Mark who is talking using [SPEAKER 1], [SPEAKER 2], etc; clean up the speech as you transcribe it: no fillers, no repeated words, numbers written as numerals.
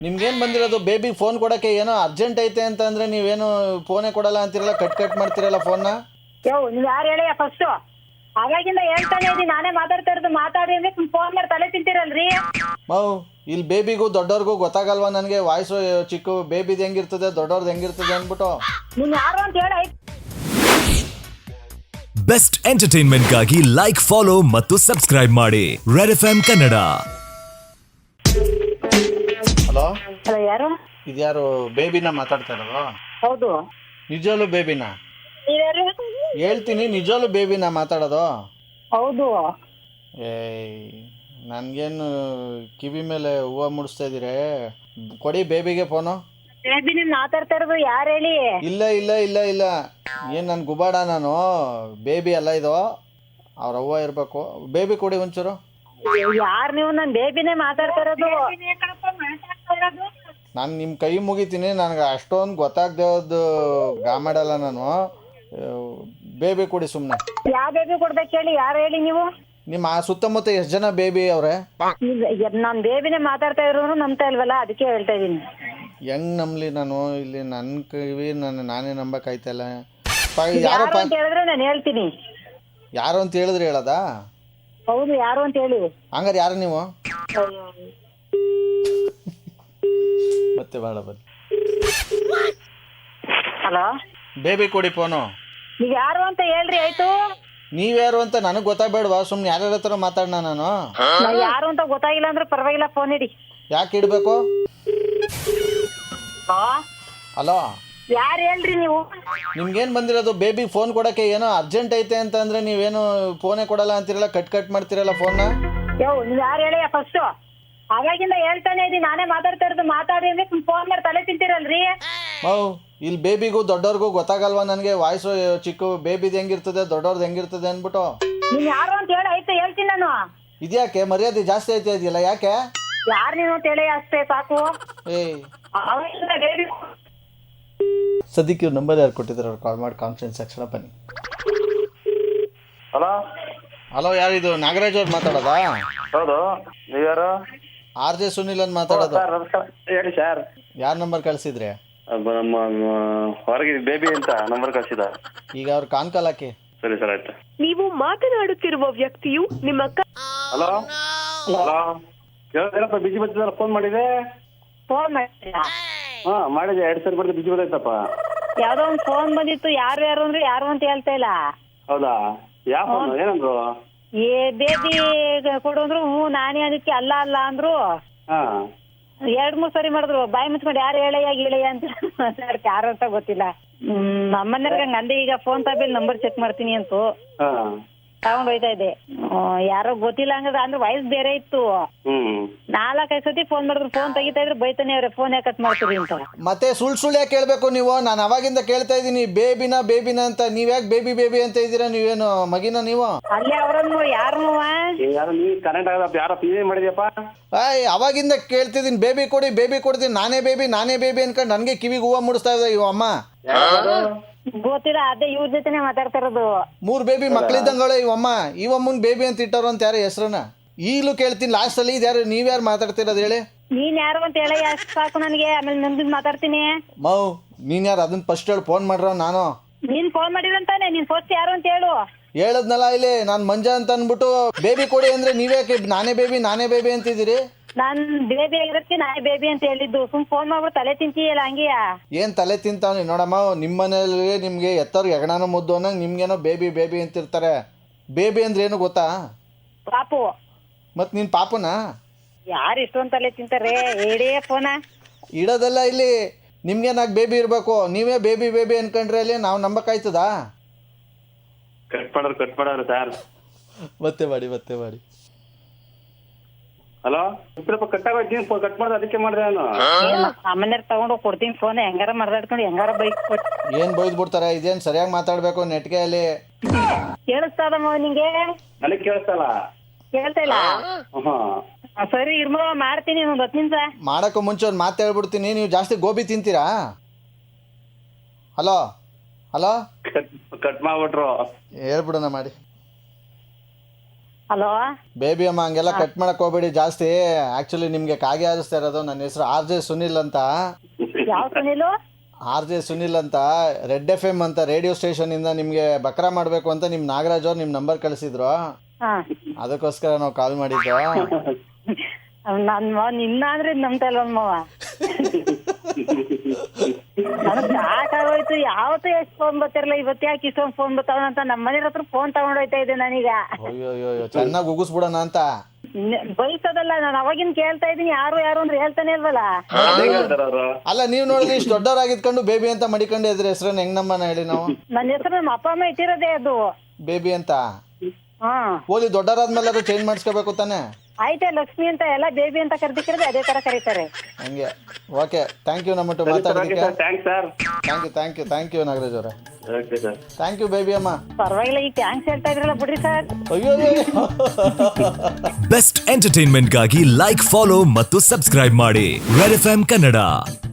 [SPEAKER 1] ನಿಮ್ಗೇನು ಬಂದಿರೋದು ಬೇಬಿಗೆ ಫೋನ್ ಕೊಡೋಕ್ಕೆ ಏನೋ ಅರ್ಜೆಂಟ್ ಐತೆ ಅಂತ ಅಂದರೆ ನೀವೇನು ಫೋನೇ ಕೊಡಲ್ಲ ಅಂತಿರಲ್ಲ, ಕಟ್ ಮಾಡ್ತಿರಲ್ಲ ಫೋನ್ನ.
[SPEAKER 2] ನೀವು ಯಾರು ಹೇಳಿ ಫಸ್ಟು? ಅವಾಗಿಂದ ಹೇಳ್ತಾನೆ ಇದ್ದೀನಿ, ನಾನೇ ಮಾತಾಡ್ತಾ ಇರೋದು. ಮಾತಾಡಿ ಅಂದ್ರೆ ಫೋನ್ ಮಾಡಿ ತಲೆ ತಿಂತೀರಲ್ರಿ.
[SPEAKER 1] ಇಲ್ಲಿ ಬೇಬಿಗೂ ದೊಡ್ಡವ್ರಿಗೂ ಗೊತ್ತಾಗಲ್ವಾ ನನಗೆ ವಾಯ್ಸು ಚಿಕ್ಕ ಬೇಬಿದು ಹೆಂಗಿರ್ತದೆ ದೊಡ್ಡವ್ರದ್ದು ಹೆಂಗಿರ್ತದೆ ಅಂದ್ಬಿಟ್ಟು.
[SPEAKER 2] ನೀನು ಯಾರು ಅಂತ ಹೇಳಿ.
[SPEAKER 3] ಬೆಸ್ಟ್ ಎಂಟರ್ಟೈನ್ಮೆಂಟ್ಗಾಗಿ ಲೈಕ್, ಫಾಲೋ ಮತ್ತು ಸಬ್ಸ್ಕ್ರೈಬ್ ಮಾಡಿ red FM Kannada.
[SPEAKER 1] Hello,
[SPEAKER 2] hello, ಯಾರು?
[SPEAKER 1] ಇದ್ಯಾರು ಬೇಬಿನ ಮಾತಾಡ್ತಾ ಇರೋದು?
[SPEAKER 2] ಹೌದು.
[SPEAKER 1] ನಿಜವಾಗ್ಲೂ ಬೇಬಿನ?
[SPEAKER 2] ನೀವ್ಯಾರು?
[SPEAKER 1] ಹೇಳ್ತೀನಿ, ನಿಜವಾಗ್ಲೂ ಬೇಬಿನ ಮಾತಾಡೋದು?
[SPEAKER 2] ಹೌದು.
[SPEAKER 1] ನನಗೇನು ಕಿವಿ ಮೇಲೆ ಹೂವು ಮುಡಿಸ್ತಾ ಇದ್ದೀರಿ? ಕೊಡಿ ಬೇಬಿಗೆ ಫೋನು.
[SPEAKER 2] ಬೇಬಿ ನಿಮ್ ಮಾತಾಡ್ತಾ ಇರೋದು ಯಾರು ಹೇಳಿ?
[SPEAKER 1] ಇಲ್ಲ ಇಲ್ಲ ಇಲ್ಲ ಇಲ್ಲ, ಏನು ನನ್ನ ಗುಬಾಡ ನಾನು? ಬೇಬಿ ಅಲ್ಲ ಇದು, ಅವ್ರ ಅವ್ವ ಇರಬೇಕು. ಬೇಬಿ ಕೊಡಿ ಒಂಚೂರು.
[SPEAKER 2] ಯಾರು ನೀವು? ನಾನು ಬೇಬಿನೇ ಮಾತಾಡ್ತಾ ಇರೋದು.
[SPEAKER 1] ನಾನು ನಿಮ್ಮ ಕೈ ಮುಗಿತೀನಿ, ನನಗೆ ಅಷ್ಟೊಂದು ಗೊತ್ತಾಗ್ದೇವ್ದು ಗಾಮಾಡಲ್ಲ ನಾನು. ಬೇಬಿ ಕೊಡಿ ಸುಮ್ಮನೆ.
[SPEAKER 2] ಯಾವ ಬೇಬಿ ಕೊಡ್ಬೇಕು ಹೇಳಿ? ಯಾರು ಹೇಳಿ ನೀವು?
[SPEAKER 1] ನಿಮ್ಮ ಸುತ್ತಮುತ್ತ ಎಷ್ಟು ಜನ ಬೇಬಿ ಅವ್ರೆ?
[SPEAKER 2] ನಾನು ಬೇಬಿನೇ ಮಾತಾಡ್ತಾ ಇರೋನು ನಂಬ್ತಾ ಇಲ್ವಲ್ಲ, ಅದಕ್ಕೆ ಹೇಳ್ತಾ ಇದ್ದೀನಿ.
[SPEAKER 1] ಹೆಂಗ್ ನಂಬಲಿ ನಾನು? ಇಲ್ಲಿ ನನ್ನ ಕಿವಿ ನಾನೇ ನಂಬಕ್ಕಾಯ್ತಲ್ಲ.
[SPEAKER 2] ಯಾರು ಅಂತ ಹೇಳಿದ್ರೆ ನಾನು ಹೇಳ್ತೀನಿ.
[SPEAKER 1] ಯಾರು ಅಂತ ಹೇಳಿದ್ರೆ ಹೇಳೋದಾ?
[SPEAKER 2] ಹೌದು, ಯಾರು ಅಂತ ಹೇಳಿ.
[SPEAKER 1] ಹಂಗಾರೆ ಯಾರು ನೀವು? ಮತ್ತೆ ಬೇಡ ಬನ್ನಿ.
[SPEAKER 2] ಹಲೋ,
[SPEAKER 1] ಬೇಬಿ ಕೊಡಿ ಫೋನು.
[SPEAKER 2] ನೀವು ಯಾರು ಅಂತ ಹೇಳ್ರಿ ಆಯ್ತು.
[SPEAKER 1] ನೀವ್ಯಾರು ಅಂತ ನನಗೆ ಗೊತ್ತಾಗಬೇಡವಾ? ಸುಮ್ಮನೆ ಯಾರ್ಯಾರ ಹತ್ರ ಮಾತಾಡೋಣ ನಾನು?
[SPEAKER 2] ಯಾರು ಅಂತ ಗೊತ್ತಾಗಿಲ್ಲ ಅಂದ್ರೆ ಪರವಾಗಿಲ್ಲ, ಫೋನ್ ಇಡಿ.
[SPEAKER 1] ಯಾಕೆ ಇಡಬೇಕು? ಹಲೋ,
[SPEAKER 2] ಯಾರು ಹೇಳ್ರಿ ನೀವು?
[SPEAKER 1] ನಿಮ್ಗೇನು ಬಂದಿರೋದು? ಬೇಬಿ ಫೋನ್ ಕೊಡೋಕ್ಕೆ ಏನೋ ಅರ್ಜೆಂಟ್ ಐತೆ ಅಂತ ಅಂದರೆ ನೀವೇನು ಫೋನೇ ಕೊಡಲ್ಲ ಅಂತಿರಲ್ಲ, ಕಟ್ ಮಾಡ್ತಿರಲ್ಲ ಫೋನ್ನ.
[SPEAKER 2] ನೀವು ಯಾರು ಹೇಳಿ ಫಸ್ಟು? ಅವಾಗಿಂದ ಹೇಳ್ತಾನೆ ಇದ್ದೀನಿ, ನಾನೇ ಮಾತಾಡ್ತಾ ಇರೋದು. ಮಾತಾಡಿ ಅಂದ್ರೆ ಫೋನ್ ಮಾಡಿ ತಲೆ ತಿಂತೀರಲ್ರಿ.
[SPEAKER 1] ಇಲ್ಲಿ ಬೇಬಿಗೂ ದೊಡ್ಡವ್ರಿಗೂ ಗೊತ್ತಾಗಲ್ವಾ ನನಗೆ ವಾಯ್ಸು ಚಿಕ್ಕ ಬೇಬಿದು ಹೆಂಗಿರ್ತದೆ ದೊಡ್ಡವ್ರದ್ದು ಹೆಂಗಿರ್ತದೆ ಅಂದ್ಬಿಟ್ಟು.
[SPEAKER 2] ನೀನ್ ಯಾರು ಅಂತ ಹೇಳಿ ಆಯ್ತು, ಹೇಳ್ತೀನಿ ನಾನು.
[SPEAKER 1] ಇದ್ಯಾಕೆ ಮರ್ಯಾದೆ ಜಾಸ್ತಿ ಐತೆ ಇದೆಯಲ್ಲ, ಯಾಕೆ?
[SPEAKER 2] ಯಾರು ನೀವು ಅಂತ ಹೇಳಿ ಅಷ್ಟೇ ಸಾಕು. ಅವಾಗಿಂದ ಬೇಬಿ
[SPEAKER 1] ಸದ್ಯಕ್ಕೆ ಇವ್ರ ನಂಬರ್ ಯಾರು ಕೊಟ್ಟಿದ್ದಾರೆ? ಅವ್ರು ಕಾಲ್ ಮಾಡಿ ಕಾನ್ಫರೆನ್ಸ್ ಸೆಕ್ಷನ್ ಬನ್ನಿ.
[SPEAKER 4] ಹಲೋ
[SPEAKER 1] ಹಲೋ, ಯಾರಿದು? ನಾಗರಾಜ್ ಅವ್ರು ಮಾತಾಡೋದಾ?
[SPEAKER 4] ಹೌದು, ನೀವ್ಯಾರು?
[SPEAKER 1] RJ ಸುನಿಲ್ ಅಂತ ಮಾತಾಡೋದು.
[SPEAKER 4] ಸರ್ ನಮಸ್ಕಾರ, ಹೇಳಿ ಸರ್.
[SPEAKER 1] ಯಾರು ನಂಬರ್ ಕಳಿಸಿದ್ರೆ?
[SPEAKER 4] ನಮ್ಮ ಹೊರಗೆ ಬೇಬಿ ಅಂತ ನಂಬರ್ ಕಳಿಸಿದ.
[SPEAKER 1] ಈಗ ಅವ್ರು ಕಾಲ್ ಹಾಕಿ.
[SPEAKER 4] ಸರಿ ಸರ್, ಆಯ್ತು.
[SPEAKER 5] ನೀವು ಮಾತನಾಡುತ್ತಿರುವ ವ್ಯಕ್ತಿಯು ನಿಮ್ಮ
[SPEAKER 4] ಹಲೋ ಹಲೋ, ಏನಪ್ಪ ಬಿಜಿ ಬರ್ತಿದ್ದಲ್ಲ? ಫೋನ್ ಮಾಡಿದೆ.
[SPEAKER 2] ಫೋನ್ ಮಾಡಿಲ್ಲ.
[SPEAKER 4] ಹಾ ಮಾಡಿದೆ, 2 ಸರಿ ಬರ್ದು ಬಿಜಿ ಬಂದೈತಪ್ಪ.
[SPEAKER 2] ಯಾವ್ದೋ ಒಂದು ಫೋನ್ ಬಂದಿತ್ತು. ಯಾರು ಯಾರು ಅಂದ್ರೆ ಯಾರು ಅಂತ ಹೇಳ್ತಾ ಇಲ್ಲ.
[SPEAKER 4] ಹೌದಾ? ಯಾವ ಫೋನ್? ಏನಂದ್ರು?
[SPEAKER 2] ಬೇಬಿ ಕೊಡು ಅಂದ್ರು. ನಾನೇ ಅದಕ್ಕೆ ಅಲ್ಲ ಅಲ್ಲ ಅಂದ್ರು.
[SPEAKER 4] ಹಾ
[SPEAKER 2] 2-3 ಸರಿ ಮಾಡಿದ್ರು. ಬಾಯಿ ಮುಚ್ಕೊಂಡು ಯಾರು ಹೇಳಯ್ಯ ಅಂತ ಯಾರು ಅಂತ ಗೊತ್ತಿಲ್ಲ. ನಮ್ಮನೆಯವ್ರಿಗೆ ಅಂದೆ ಈಗ ಫೋನ್ ತಗೊಂಡು ನಂಬರ್ ಚೆಕ್ ಮಾಡ್ತೀನಿ ಅಂತ
[SPEAKER 4] ಹಾ
[SPEAKER 2] ತಗೊಂಡ್ ಹೋಯ್ತಾ ಇದ್ದೆ. ಯಾರೋ ಗೊತ್ತಿಲ್ಲ ಹಂಗದ ಅಂದ್ರೆ ವಯಸ್ಸು ಬೇರೆ ಇತ್ತು. 4-5 ಸತಿ ಫೋನ್ ಮಾಡಿದ್ರು. ಫೋನ್ ತೆಗಿತಾ ಇದ್ರೆ ಬೈತಾನೆ ಅವ್ರೆ, ಫೋನ್ ಯಾಕೆ ಕಟ್ ಮಾಡ್ತೀರಿ ಅಂತ.
[SPEAKER 1] ಮತ್ತೆ ಸುಳ್ಳು ಯಾಕೆ ಕೇಳಬೇಕು ನೀವು? ನಾನು ಅವಾಗಿಂದ ಕೇಳ್ತಾ ಇದ್ದೀನಿ ಬೇಬಿನ ಅಂತ. ನೀವ್ಯಾಕೆ ಬೇಬಿ ಅಂತ ಇದ್ದೀರಾ? ನೀವೇನು ಮಗಿನ ನೀವು?
[SPEAKER 2] ಅಲ್ಲೇ ಅವ್ರನ್ನು ಯಾರು
[SPEAKER 4] ಯಾರು ನೀ ಕರೆಂಟ್ ಆಗದಪ್ಪ? ಯಾರೋ ಪಿ ಮಾಡಿದ್ಯಪ್ಪ?
[SPEAKER 1] ಅವಾಗಿಂದ ಕೇಳ್ತಿದ್ದೀನಿ ಬೇಬಿ ಕೊಡ್ತೀನಿ. ನಾನೇ ಬೇಬಿ ಅನ್ಕೊಂಡು ನನಗೆ ಕಿವಿಗೆ ಹೂವು ಮುಡಿಸ್ತಾ ಇದ್ದ ಇವ ಅಮ್ಮ.
[SPEAKER 2] ಗೊತ್ತಿಲ್ಲ, ಅದೇ ಇವ್ರ ಜೊತೆನೆ ಮಾತಾಡ್ತಾ ಇರೋದು.
[SPEAKER 1] 3 ಬೇಬಿ ಮಕ್ಳಿದ್ದಂಗಳ ಇವಮ್ಮನ್ ಬೇಬಿ ಅಂತ ಇಟ್ಟವ್ರು ಅಂತ ಯಾರು ಹೆಸ್ರನ್ನ ಈಗಲೂ ಕೇಳ್ತೀನಿ. ಲಾಸ್ಟಲ್ಲಿ ಇದ್ಯಾರು? ನೀವ್ಯಾರು ಮಾತಾಡ್ತಿರೋದು ಹೇಳಿ?
[SPEAKER 2] ನೀನ್ ಯಾರು ಅಂತ ಹೇಳಿ ಅಷ್ಟು ಸಾಕು ನನಗೆ. ಆಮೇಲೆ ಮುಂದಿನ ಮಾತಾಡ್ತೀನಿ.
[SPEAKER 1] ನೀನ್ ಯಾರು ಅದನ್ನ ಫಸ್ಟ್ ಹೇಳಿ. ಫೋನ್ ಮಾಡ್ರ ನಾನು?
[SPEAKER 2] ನೀನ್ ಫೋನ್ ಮಾಡಿರಂತಾನೆ. ನೀನ್ ಫಸ್ಟ್ ಯಾರು ಅಂತ ಹೇಳು.
[SPEAKER 1] ಹೇಳದ್ನಲ್ಲ ಇಲ್ಲಿ, ನಾನು ಮಂಜಾ ಅಂತ ಅಂದ್ಬಿಟ್ಟು ಬೇಬಿ ಕೊಡಿ ಅಂದ್ರೆ ನೀವ್ಯಾಕೆ ನಾನೇ ಬೇಬಿ ಅಂತಿದ್ದೀರಿ?
[SPEAKER 2] ನಾನ್ ಬೇಬಿ ಆಗಿರೋದಕ್ಕೆ ನಾನೇ ಬೇಬಿ ಅಂತ ಹೇಳಿದ್ದು. ಸುಮ್ ಫೋನ್ ಮಾಡ್ಬಿಟ್ಟು ತಲೆ ತಿಂತೀಯಲ್ಲ ಹಂಗೆಯಾ?
[SPEAKER 1] ಏನ್ ತಲೆ ತಿಂತಾವ್ನಿ ನೋಡಮ್ಮ. ನಿಮ್ಮ ಮನೇಲಿ ನಿಮ್ಗೆ ಎತ್ತವ್ರಿಗೆ ಹೆಗಣಾನ ಮುದ್ದು ಅನ್ನಂಗೆ ನಿಮ್ಗೇನೋ ಬೇಬಿ ಅಂತಿರ್ತಾರೆ. ಬೇಬಿ ಅಂದ್ರೆ ಏನು ಗೊತ್ತಾ?
[SPEAKER 2] ಪಾಪು.
[SPEAKER 1] ಮತ್ ನೀನ್ ಪಾಪನಾ?
[SPEAKER 2] ಯಾರು ಇಷ್ಟೊಂದು ತಲೆ ತಿಂತಾರೆ? ಹೇಳೇ ಫೋನ
[SPEAKER 1] ಇಡೋದಲ್ಲ ಇಲ್ಲಿ. ನಿಮ್ಗೇನಾಗ ಬೇಬಿ ಇರ್ಬೇಕು, ನೀವೇ ಬೇಬಿ ಅನ್ಕೊಂಡ್ರೆ ಅಲ್ಲಿ ನಾವು ನಂಬಕ್ಕಾಯ್ತದಾ?
[SPEAKER 4] ಕಟ್ ಮಾಡೋರು ಸರ್.
[SPEAKER 1] ಮತ್ತೆ ಮಾಡಿ.
[SPEAKER 4] ಹಲೋ, ಸ್ವಲ್ಪ ಕಟ್ಟಾಗೋಯ್ತು. ನೀನು ಕಟ್ ಮಾಡ್ದೆ, ಅದಕ್ಕೆ ಮಾಡಿದೆ ನಾನು.
[SPEAKER 2] ಸಾಮಾನ್ಯರ್ ತಗೊಂಡು ಕೊಡ್ತೀನಿ ಫೋನ್. ಹೆಂಗಾರ ಮಾಡ್ದಾಡ್ಕೊಂಡು ಹೆಂಗಾರ ಬೈಕ್ ಕೊಟ್ಟು
[SPEAKER 1] ಏನ್ ಬೈದ್ ಬಿಡ್ತಾರೆ? ಇದೇನ್ ಸರಿಯಾಗಿ ಮಾತಾಡ್ಬೇಕು ನೆಟ್ಗೆ ಅಲ್ಲಿ.
[SPEAKER 2] ಕೇಳಿಸ್ತದಮ್ಮ ನಿಂಗೆ?
[SPEAKER 4] ನನಗೆ ಕೇಳಿಸ್ತಲ್ಲ.
[SPEAKER 2] ಕೇಳ್ತಾ ಇಲ್ಲ? ಸರಿ ಇರ್ಮ, ಮಾಡ್ತೀನಿ ಒಂದು 10 ನಿಮಿಷ.
[SPEAKER 1] ಮಾಡಕ್ಕೂ ಮುಂಚೆ ಒಂದು ಮಾತು ಹೇಳ್ಬಿಡ್ತೀನಿ. ನೀವು ಜಾಸ್ತಿ ಗೋಬಿ ತಿಂತೀರಾ? ಹಲೋ
[SPEAKER 4] ಕಟ್ ಮಾಡ್ಬಿಟ್ರು.
[SPEAKER 1] ಹೇಳ್ಬಿಡೋಣ ಮಾಡಿ.
[SPEAKER 2] ಹಲೋ
[SPEAKER 1] ಬೇಬಿ ಅಮ್ಮ ಹಂಗೆಲ್ಲ ಕಟ್ ಮಾಡಕ್ ಹೋಗ್ಬೇಡಿ ಜಾಸ್ತಿ. ಆಕ್ಚುಲಿ ನಿಮ್ಗೆ ಕಾಗೆ ಹಾರಿಸ್ತಾ ಇರೋದು. ನನ್ನ ಹೆಸರು RJ ಸುನಿಲ್ ಅಂತ.
[SPEAKER 2] ಯಾವ ಸುನಿಲು?
[SPEAKER 1] RJ ಸುನಿಲ್ ಅಂತ, ರೆಡ್ FM ಅಂತ ರೇಡಿಯೋ ಸ್ಟೇಷನ್ ಇಂದ ನಿಮ್ಗೆ ಬಕ್ರಾ ಮಾಡ್ಬೇಕು ಅಂತ ನಿಮ್ ನಾಗರಾಜ್ ಅವ್ರು ನಿಮ್ ನಂಬರ್ ಕಳಿಸಿದ್ರು.
[SPEAKER 2] ಹಾ
[SPEAKER 1] ಅದಕ್ಕೋಸ್ಕರ ನಾವು ಕಾಲ್ ಮಾಡಿದ್ದು.
[SPEAKER 2] ನನ್ ಮಾವ ನಿನ್ನ ಅಂದ್ರೆ ನಂಬ್ತಾ ಇಲ್ಲ ಮಾವ. ನನಗ್ ಸಾಕಾಗೋಯ್ತು. ಯಾವತ್ತೂ ಎಷ್ಟು ಫೋನ್ ಬರ್ತಿರಲ್ಲ, ಇವತ್ತು ಯಾಕೆ ಇಷ್ಟೊಂದು ಫೋನ್ ಬರ್ತಾವ ಅಂತ ನಮ್ಮ ಮನೆ ಹತ್ರ ಫೋನ್ ತಗೊಂಡೋಯ್ತಾ ಇದ್ದೆ ನಾನೀಗ.
[SPEAKER 1] ಅಯ್ಯೋ ಚೆನ್ನಾಗಿ ಉಗಿಸ್ಬಿಡೋಣ ಅಂತ.
[SPEAKER 2] ಬೈಸೋದಲ್ಲ, ನಾನು ಅವಾಗಿನ ಕೇಳ್ತಾ ಇದೀನಿ. ಯಾರು ಅಂದ್ರೆ ಹೇಳ್ತಾನೆ ಇಲ್ವಲ್ಲ.
[SPEAKER 1] ಅಲ್ಲ ನೀವ್ ನೋಡಿದ್ರೆ ಇಷ್ಟು ದೊಡ್ಡವರಾಗಿದ್ಕೊಂಡು ಬೇಬಿ ಅಂತ ಮಡಿಕೊಂಡು ಇದ್ರೆ ಹೆಸರನ್ನ ಹೆಂಗ್ ನಮ್ಮನ್ನ ಹೇಳಿ ನಾವು?
[SPEAKER 2] ನನ್ನ ಹೆಸರು ನಮ್ಮ ಅಪ್ಪ ಅಮ್ಮ ಇಟ್ಟಿರೋದೇ ಅದು,
[SPEAKER 1] ಬೇಬಿ ಅಂತ.
[SPEAKER 2] ಹಾ
[SPEAKER 1] ಓದಿ ದೊಡ್ಡವರಾದ್ಮೇಲೆ ಅದು ಚೇಂಜ್ ಮಾಡಿಸ್ಕೋಬೇಕು ತಾನೆ?
[SPEAKER 2] ಆಯ್ತಾ, ಲಕ್ಷ್ಮಿ ಅಂತ ಎಲ್ಲ ಬೇಬಿ ಅಂತ ಕರೆದಿಕ್ಕಿರೋದು ಅದೇ ತರ ಕರೀತಾರೆ.
[SPEAKER 1] ಹಂಗೆ. ಓಕೆ, ಥ್ಯಾಂಕ್ ಯು ನಮ್ಮಟ್ಟು ಮಾತಾಡೋದಕ್ಕೆ.
[SPEAKER 4] Thanks sir.
[SPEAKER 1] Thank you Nagaraj ಅವರೇ.
[SPEAKER 4] Okay sir.
[SPEAKER 1] Thank you baby ಅಮ್ಮ.
[SPEAKER 2] ಪರವಾಗಿಲ್ಲ, ಈಗ ಥ್ಯಾಂಕ್ಸ್ ಹೇಳ್ತಾ ಇದ್ರಲ್ಲ ಬಿಡ್ರಿ ಸರ್.
[SPEAKER 1] ಅಯ್ಯೋ
[SPEAKER 3] ಬೆಸ್ಟ್ ಎಂಟರ್ಟೈನ್ಮೆಂಟ್ಗಾಗಿ ಲೈಕ್, ಫಾಲೋ ಮತ್ತು ಸಬ್ಸ್ಕ್ರೈಬ್ ಮಾಡಿ ರೆಡ್ FM ಕನ್ನಡ.